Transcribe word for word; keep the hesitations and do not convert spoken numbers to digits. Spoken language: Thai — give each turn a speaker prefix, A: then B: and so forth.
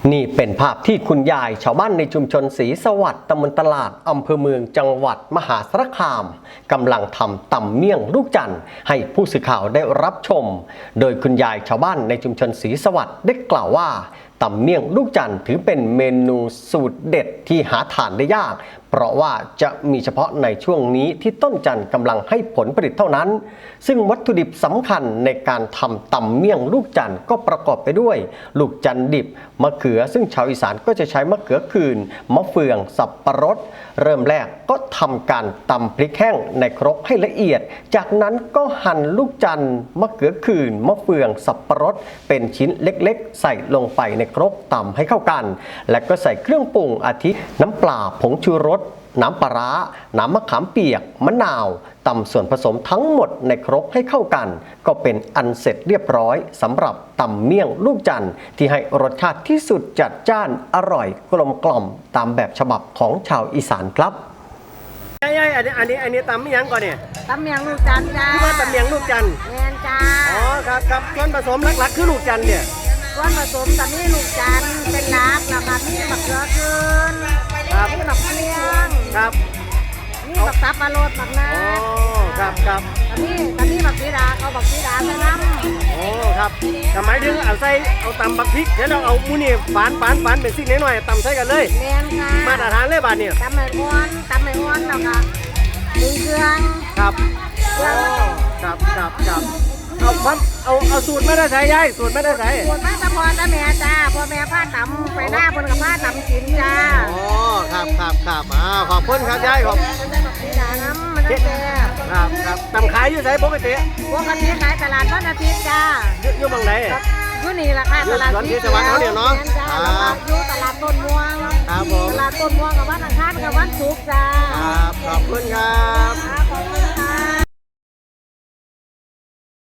A: นี่เป็นภาพที่คุณยายชาวบ้านในชุมชนศรีสวัสดิ์ตำบลตลาดอำเภอเมืองจังหวัดมหาสารคามกำลังทำตำเมี่ยงลูกจันทร์ให้ผู้สื่อข่าวได้รับชมโดยคุณยายชาวบ้านในชุมชนศรีสวัสดิ์ได้กล่าวว่าตำเมี่ยงลูกจันทร์ถือเป็นเมนูสูตรเด็ดที่หาทานได้ยากเพราะว่าจะมีเฉพาะในช่วงนี้ที่ต้นจันทร์กำลังให้ผลผลิตเท่านั้นซึ่งวัตถุดิบสำคัญในการทำตำเมี่ยงลูกจันทร์ก็ประกอบไปด้วยลูกจันทร์ดิบมะเขือซึ่งชาวอีสานก็จะใช้มะเขือคืนมะเฟืองสับปะรดเริ่มแรกก็ทำการตำพริกแห้งในครกให้ละเอียดจากนั้นก็หั่นลูกจันทร์มะเขือคืนมะเฟืองสับปะรดเป็นชิ้นเล็กๆใส่ลงไปในครกตำให้เข้ากันและก็ใส่เครื่องปรุงอาทิน้ำปลาผงชูรสน้ำปลาร้าน้ำมะขามเปียกมะนาวตำส่วนผสมทั้งหมดในครกให้เข้ากันก็เป็นอันเสร็จเรียบร้อยสำหรับตำเมี่ยงลูกจันทร์ที่ให้รสชาติที่สุดจัดจ้านอร่อยกลมกล่อมตามแบบฉบับของชาวอีสานครับ
B: ใช่ๆอันนี้อันนี้อันนี้ตำไม่ยั้งก่อนเนี่ย
C: ตำเมียงลูกจันทร์จ้า
B: คือว่าตำเมียงลูกจันทร์
C: แมนจ้า
B: อ๋อครับครับส่วนผสมหลักๆคือลูกจันทร์เนี่ย
C: ส่วนผสมตำนี้ลูกจันทร์เป็นหลักแล้วก็มีมะเขือคืนมีมะเฟือง
B: ครับ
C: มีมะสับปะรดมะนา
B: อ๋อครับครับ
C: ตำนี้ตำนี้มะสีดาเอามะสีดาใส่น้ำ
B: โอ้ครับทำไมถึงเอาใส่เอาตำบักพริกเดี๋ยวเราเอามูนี่ฝานฝานฝานเป็นสิ่งน้อยๆตำใส่กันเลย
C: แมนค่ะ
B: มาตรฐานเลยบาทเนี่ย
C: ตำไม่อ้วนตำไม่อ้วนแล้วก็ดึงเครื่อง
B: ครับโอ้ครับครับครับเอาความเอาเอาสูตรไม่ได้ใส่ยายสูตรไม่ได้ใส่
C: สูตรไม่ตะพอตะแม่จ้าพ่อแม่ผ้าตำไปหน้าบนกับผ้าตำกินจ้า
B: อ๋อครับครับครับอ่าขอบคุณครับยายขอบ
C: มันได้แบบสีดาน้ำมันได้แซ่บ
B: ครับครับตำขายอยู่ไสปกติ
C: ปกติขายตลาดวันอาทิตย์จ้า
B: อยู่บางไหน
C: อยู่นี่แหละค่ะตลาด
B: ที่จังหวัดเขาเนี่ยเนาะ
C: อยู่ตลาดต้นม่วง
B: ครับผม
C: ตลาดต้นม่วงกับวันอังคารกับวันศุกร์จ้า
B: ครับขอบคุณครับ